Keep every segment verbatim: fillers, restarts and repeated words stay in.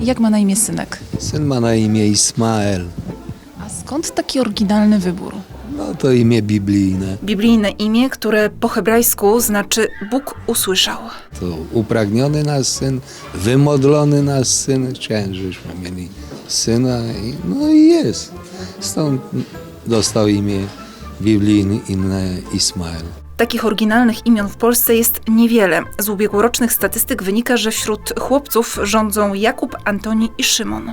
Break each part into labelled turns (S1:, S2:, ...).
S1: Jak ma na imię synek?
S2: Syn ma na imię Ismael.
S1: A skąd taki oryginalny wybór?
S2: No to imię biblijne.
S3: Biblijne imię, które po hebrajsku znaczy Bóg usłyszał.
S2: To upragniony nasz syn, wymodlony nasz syn. Chciałem, żebyśmy mieli syna i no i jest. Stąd dostał imię biblijne Ismael.
S3: Takich oryginalnych imion w Polsce jest niewiele. Z ubiegłorocznych statystyk wynika, że wśród chłopców rządzą Jakub, Antoni i Szymon.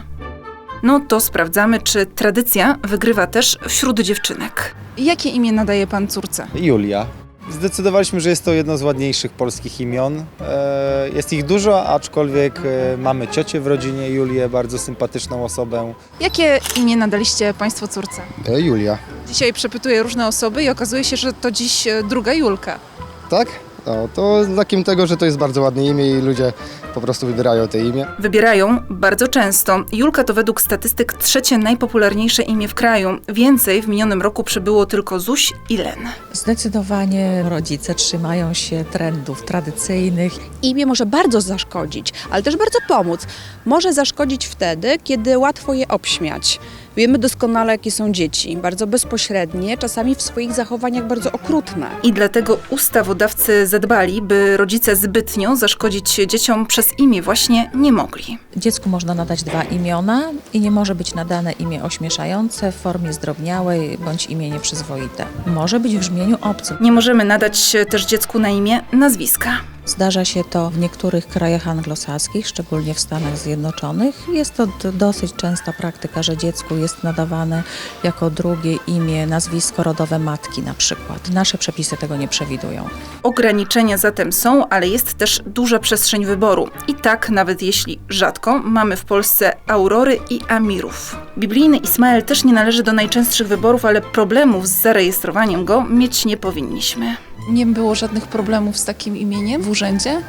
S3: No to sprawdzamy, czy tradycja wygrywa też wśród dziewczynek.
S1: Jakie imię nadaje pan córce?
S4: Julia. Zdecydowaliśmy, że jest to jedno z ładniejszych polskich imion. E, Jest ich dużo, aczkolwiek e, mamy ciocię w rodzinie, Julię, bardzo sympatyczną osobę.
S1: Jakie imię nadaliście państwo córce?
S5: E, Julia.
S1: Dzisiaj przepytuję różne osoby i okazuje się, że to dziś e, druga Julka.
S5: Tak? No, to znakiem tego, że to jest bardzo ładne imię i ludzie po prostu wybierają te imię.
S3: Wybierają bardzo często. Julka to według statystyk trzecie najpopularniejsze imię w kraju. Więcej w minionym roku przybyło tylko Zuś i Len.
S6: Zdecydowanie rodzice trzymają się trendów tradycyjnych.
S7: Imię może bardzo zaszkodzić, ale też bardzo pomóc. Może zaszkodzić wtedy, kiedy łatwo je obśmiać. Wiemy doskonale, jakie są dzieci, bardzo bezpośrednie, czasami w swoich zachowaniach bardzo okrutne.
S3: I dlatego ustawodawcy zadbali, by rodzice zbytnio zaszkodzić dzieciom przez imię właśnie nie mogli.
S6: Dziecku można nadać dwa imiona i nie może być nadane imię ośmieszające w formie zdrobniałej bądź imię nieprzyzwoite. Może być w brzmieniu obcym.
S3: Nie możemy nadać też dziecku na imię nazwiska.
S6: Zdarza się to w niektórych krajach anglosaskich, szczególnie w Stanach Zjednoczonych. Jest to d- dosyć częsta praktyka, że dziecku jest nadawane jako drugie imię nazwisko rodowe matki na przykład. Nasze przepisy tego nie przewidują.
S3: Ograniczenia zatem są, ale jest też duża przestrzeń wyboru. I tak, nawet jeśli rzadko, mamy w Polsce Aurory i Amirów. Biblijny Ismael też nie należy do najczęstszych wyborów, ale problemów z zarejestrowaniem go mieć nie powinniśmy.
S1: Nie było żadnych problemów z takim imieniem w urzędzie?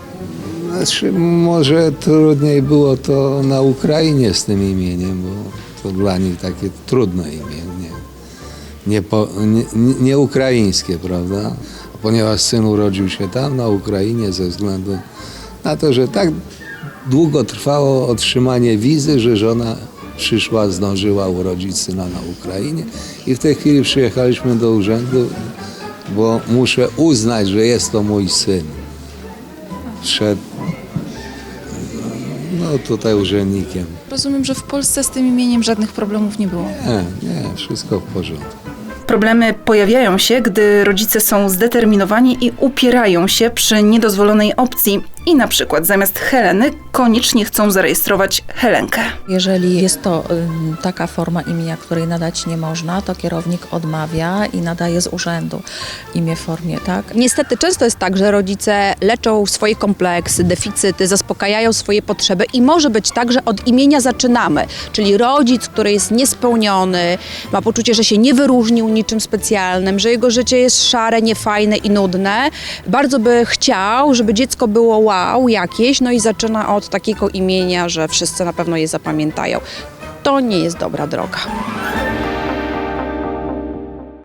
S2: Znaczy, może trudniej było to na Ukrainie z tym imieniem, bo to dla nich takie trudne imię, nie, nie, po, nie, nie ukraińskie, prawda? Ponieważ syn urodził się tam, na Ukrainie, ze względu na to, że tak długo trwało otrzymanie wizy, że żona przyszła, zdążyła urodzić syna na Ukrainie i w tej chwili przyjechaliśmy do urzędu, bo muszę uznać, że jest to mój syn. Przed no tutaj urzędnikiem.
S1: Rozumiem, że w Polsce z tym imieniem żadnych problemów nie było.
S2: Nie, nie, wszystko w porządku.
S3: Problemy pojawiają się, gdy rodzice są zdeterminowani i upierają się przy niedozwolonej opcji i na przykład zamiast Heleny koniecznie chcą zarejestrować Helenkę.
S6: Jeżeli jest to ym, taka forma imienia, której nadać nie można, to kierownik odmawia i nadaje z urzędu imię w formie, tak?
S7: Niestety często jest tak, że rodzice leczą swoje kompleksy, deficyty, zaspokajają swoje potrzeby i może być tak, że od imienia zaczynamy. Czyli rodzic, który jest niespełniony, ma poczucie, że się nie wyróżnił niczym specjalnym, że jego życie jest szare, niefajne i nudne. Bardzo by chciał, żeby dziecko było wow jakieś, no i zaczyna od takiego imienia, że wszyscy na pewno je zapamiętają. To nie jest dobra droga.